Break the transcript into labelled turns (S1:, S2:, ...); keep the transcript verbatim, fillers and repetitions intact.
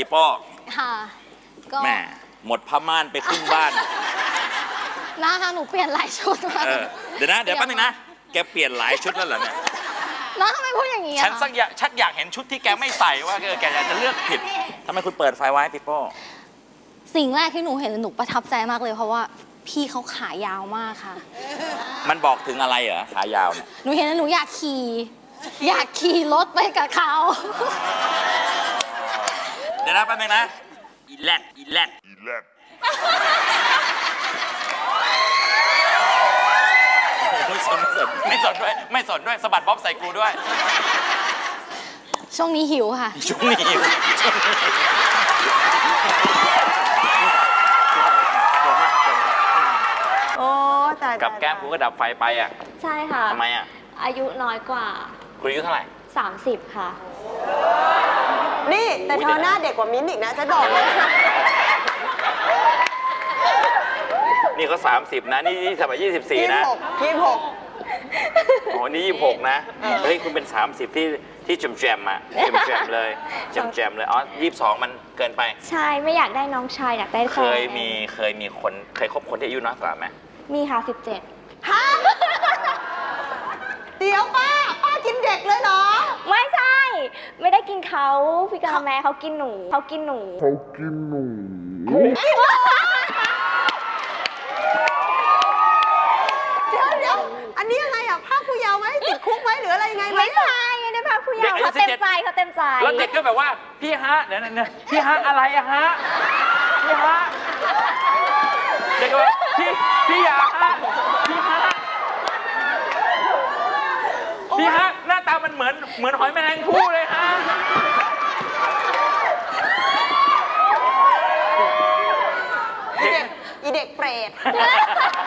S1: โป้
S2: ค่ะก็
S1: แม่หมดผ้าม่านไปครึ่งบ้าน
S2: นะคะหนูเปลี่ยนหลายชุดมา
S1: เดี๋ยวนะเดี๋ยวแป๊บนึงนะแกเปลี่ยนหลายชุดแล้วเหรอเนี่ย
S2: น้าทำไมพูดอย่างนี้
S1: ฉันสักอยากชักอยากเห็นชุดที่แกไม่ใส่ว่าแกอยากจะเลือกผิดทำไมคุณเปิดไฟไว้ปีโป้
S2: สิ่งแรกที่หนูเห็นหนูประทับใจมากเลยเพราะว่าพี่เขาขายาวมากค่ะ
S1: มันบอกถึงอะไรเหรอขายาวเนี่ย
S2: หนูเห็นแล้วหนูอยากขี่อยากขี่รถไปกับเขา
S1: เดี๋ยวนะแป๊บนึงนะอีแลดอีแลดอีแลดไม่สนไม่สนไม่สนด้วยไม่สนด้วยสะบัดบ๊อบใส่กูด้วย
S2: ช่วงนี้หิวค่ะ
S1: ช่วงนี้หิว
S3: โอ้แต่
S1: กับแก้มกูก็ดับไฟไปอ่ะ
S4: ใช่ค่ะ
S1: ทำไมอ่ะ
S4: อายุน้อยกว่า
S1: คุณอายุเท่าไหร่
S4: สามสิบค่ะ
S3: นี่แต่เธอหน้าเด็กกว่ามิ้นอีกนะจะบอกเลย
S1: นี่เขาสามสิบนะนี่สมัยยี่สิบสี่นะ
S3: ยี่สิบหก
S1: อ๋อนี่ยี่สิบหกนะเฮ้ยคุณเป็นสามสิบที่ที่จมแจมอ่ะจมแจมเลยจมแจมเลยอ๋อยี่สิบสองมันเกินไป
S4: ใช่ไม่อยากได้น้องชายอยากได้แฟน
S1: เคยมีเคยมีคนเคยคบคนที่อายุน้อยกว่าไหม
S4: มีค่ะสิบเจ็ด
S3: ฮะเดี๋ยวป้าป้ากินเด็กเลยเหรอ
S4: ไม่ใช่ไม่ได้กินเขาพี่กาแมเขากินหนูเขากินหนู
S5: เขากินหนู
S3: เดี๋ยวเดี๋ยวอันนี้อะไรอ่ะภาคผู้เยาว์ไหมติดคุกไหมหรืออะไรยังไงไหม
S4: ไม่ใช่ไม่ได้ภาคผู้เยาว์เขาเต็มใจเขาเต็มใจ
S1: แล้วเด็กก็แบบว่าพี่ฮะเนี่ยเนี่ยพี่ฮะอะไรอะฮะพี่ฮะเด็กก็แบบพี่พี่อยากฮะพี่ฮะพี่ฮะหน้าตามันเหมือนเหมือนหอยแมลงภู่เลยฮะ
S3: อีเด็กอีเด็กเปรต